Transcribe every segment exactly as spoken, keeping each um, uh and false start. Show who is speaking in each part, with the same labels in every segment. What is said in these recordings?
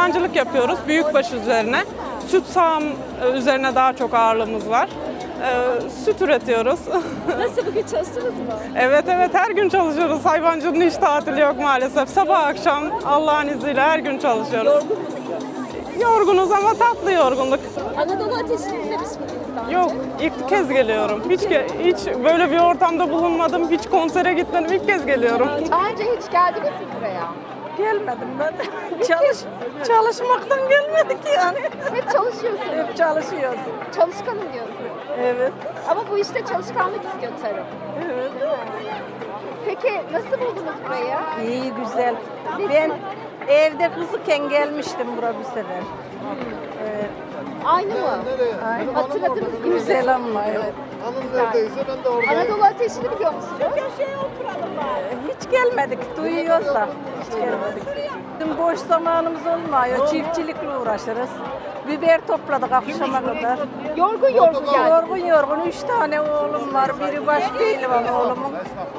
Speaker 1: hayvancılık yapıyoruz büyükbaş üzerine. Süt sağım e, üzerine daha çok ağırlığımız var. Ee, süt üretiyoruz.
Speaker 2: Nasıl, bugün çalıştınız mı?
Speaker 1: Evet evet, her gün çalışıyoruz. Hayvancılığın hiç tatili yok maalesef. Sabah akşam Allah'ın izniyle her gün çalışıyoruz.
Speaker 2: Yorgun musunuz?
Speaker 1: Yorgunuz ama tatlı yorgunluk.
Speaker 2: Anadolu Ateşi'ni izlemiş miydiniz daha önce?
Speaker 1: Yok, ilk kez geliyorum. Hiç ge- hiç böyle bir ortamda bulunmadım. Hiç konsere gitmedim. İlk kez geliyorum.
Speaker 2: Daha önce hiç geldiniz mi buraya?
Speaker 3: Gelmedim ben. Çalış, çalışmaktan gelmedik yani.
Speaker 2: Hep çalışıyorsunuz.
Speaker 3: Hep çalışıyoruz.
Speaker 2: Çalışkanım diyorsunuz.
Speaker 3: Evet.
Speaker 2: Ama bu işte çalışkanlık istiyor tarım.
Speaker 3: Evet.
Speaker 2: Peki nasıl buldunuz burayı?
Speaker 3: İyi, güzel. Ben evde kızıken gelmiştim buraya bir sefer. Evet.
Speaker 2: Aynı mı?
Speaker 3: Aynen.
Speaker 2: Hatırladınız mı?
Speaker 3: Güzel ama evet.
Speaker 4: Hanım neredeyse ben de oradayım.
Speaker 2: Anadolu Ateşi'ni biliyor musunuz?
Speaker 3: Hiç gelmedik, duyuyoruz da. Hiç gelmedik. Bizim boş zamanımız olmuyor. Çiftçilikle uğraşırız. Biber topladık akşama kadar.
Speaker 2: Yorgun yorgun geldiniz.
Speaker 3: Yorgun yorgun üç tane oğlum var. Biri baş pehlivan oğlumun.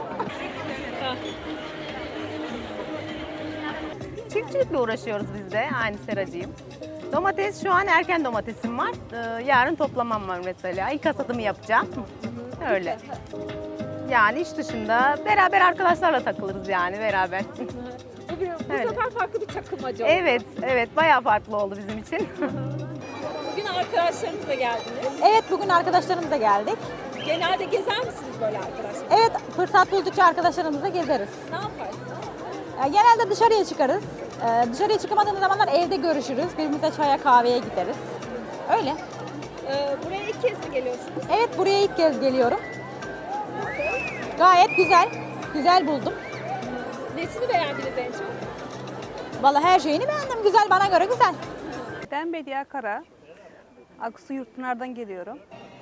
Speaker 5: Çiftçilikle uğraşıyoruz biz de. Aynı seracıyım. Domates, şu an erken domatesim var. Ee, yarın toplamam var mesela. İlk hasadımı yapacağım. Öyle. Yani iş dışında beraber arkadaşlarla takılırız yani beraber.
Speaker 2: Bugün bu
Speaker 5: Evet.
Speaker 2: sefer farklı bir takılmaca oldu.
Speaker 5: Evet, evet bayağı farklı oldu bizim için.
Speaker 2: Bugün arkadaşlarınızla geldiniz.
Speaker 6: Evet, bugün arkadaşlarımızla geldik.
Speaker 2: Genelde gezer misiniz böyle arkadaşlar?
Speaker 6: Evet, fırsat buldukça arkadaşlarımızla gezeriz.
Speaker 2: Ne yaparsınız?
Speaker 6: Ee, Genelde dışarıya çıkarız. Ee, Dışarıya çıkamadığımız zamanlar evde görüşürüz. Birbirimize çaya, kahveye gideriz. Öyle.
Speaker 2: Ee, buraya ilk kez mi geliyorsunuz?
Speaker 6: Evet, buraya ilk kez geliyorum. Gayet güzel. Güzel buldum.
Speaker 2: Nesini beğendiniz en çok?
Speaker 6: Vallahi her şeyini beğendim. Güzel, bana göre güzel.
Speaker 7: Ben Bediye Kara. Aksu Yurtpınar'dan geliyorum.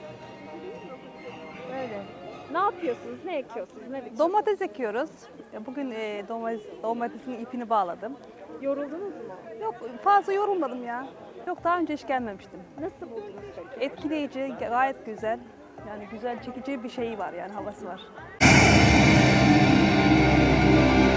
Speaker 7: Öyle.
Speaker 2: Ne yapıyorsunuz? Ne ekiyorsunuz? Ne biçim?
Speaker 7: Domates ekiyoruz. Bugün e, domates, domatesin ipini bağladım.
Speaker 2: Yoruldunuz mu?
Speaker 7: Yok, fazla yorulmadım ya. Yok, daha önce hiç gelmemiştim.
Speaker 2: Nasıl buldunuz peki?
Speaker 7: Etkileyici, gayet güzel. Yani güzel, çekici bir şey var yani, havası var.